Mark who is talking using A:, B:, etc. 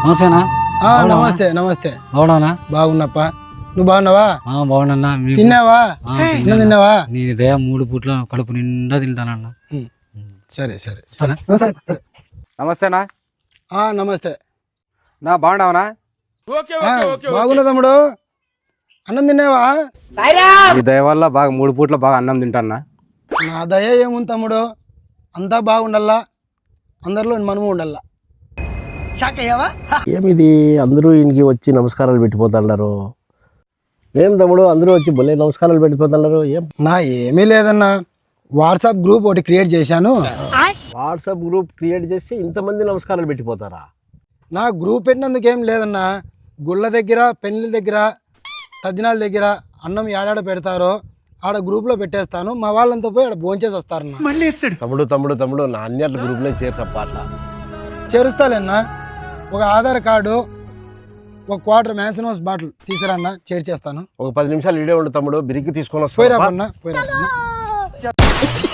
A: నమస్తేనా?
B: నమస్తే నమస్తే.
A: బాగున్నావునా?
B: బాగున్నప్ప. నువ్వు బాగున్నావా?
A: బాగున్నా.
B: తిన్నావా? తిన్నావా?
A: నీ దయ 3 పూట్ల కడుపు నిండా తింటానన్నా.
B: సరే సరే
A: సరే.
B: సరే.
C: నమస్తేనా?
B: నమస్తే.
C: నా బాగున్నావునా?
B: బాగున్నా తమ్ముడు. అన్నం తిన్నావా?
C: ఈ దయ వల్ల బాగా 3 పూట్ల బాగా అన్నం తింటానా.
B: నా దయ ఏముంది తమ్ముడు, అంతా బాగుండల్లా, అందరిలో మనము ఉండాలా.
D: ఏమిది అందరూ ఇంటికి వచ్చి నమస్కారాలు పెట్టిపోతున్నారు? ఏం తమ్ముడు అందరూ వచ్చి భలే నమస్కారాలు పెట్టిపోతున్నారు?
B: నా ఏమీ లేదన్నా, వాట్సాప్ గ్రూప్ ఒకటి క్రియేట్ చేశాను.
D: వాట్సాప్ గ్రూప్ క్రియేట్ చేసి ఇంతమంది నమస్కారాలు పెట్టిపోతారా?
B: నా గ్రూప్ పెట్టినందుకు ఏం లేదన్నా, గుళ్ళ దగ్గర, పెళ్లి దగ్గర, తద్దినాల దగ్గర అన్నం ఏడాడ పెడతారో ఆడ గ్రూప్లో పెట్టేస్తాను. మా వాళ్ళంతా పోయి ఆడ భోంచేసి వస్తారన్న.
D: తమ్ముడు నా అన్నిటి గ్రూప్లో చేర్చప్ప. అట్లా
B: చేరుస్తాలేనా? ఒక ఆధార్ కార్డు, ఒక క్వార్టర్ మ్యాన్సినోస్ బాటిల్ తీసుకురన్నా, చేర్చేస్తాను.
D: ఒక 10 నిమిషాలు ఇడే ఉండు తమ్ముడు, బిరిగ్గి తీసుకొని
B: పోయిరా
D: వస్తా.
B: పన్నా, పోయిరా పన్నా.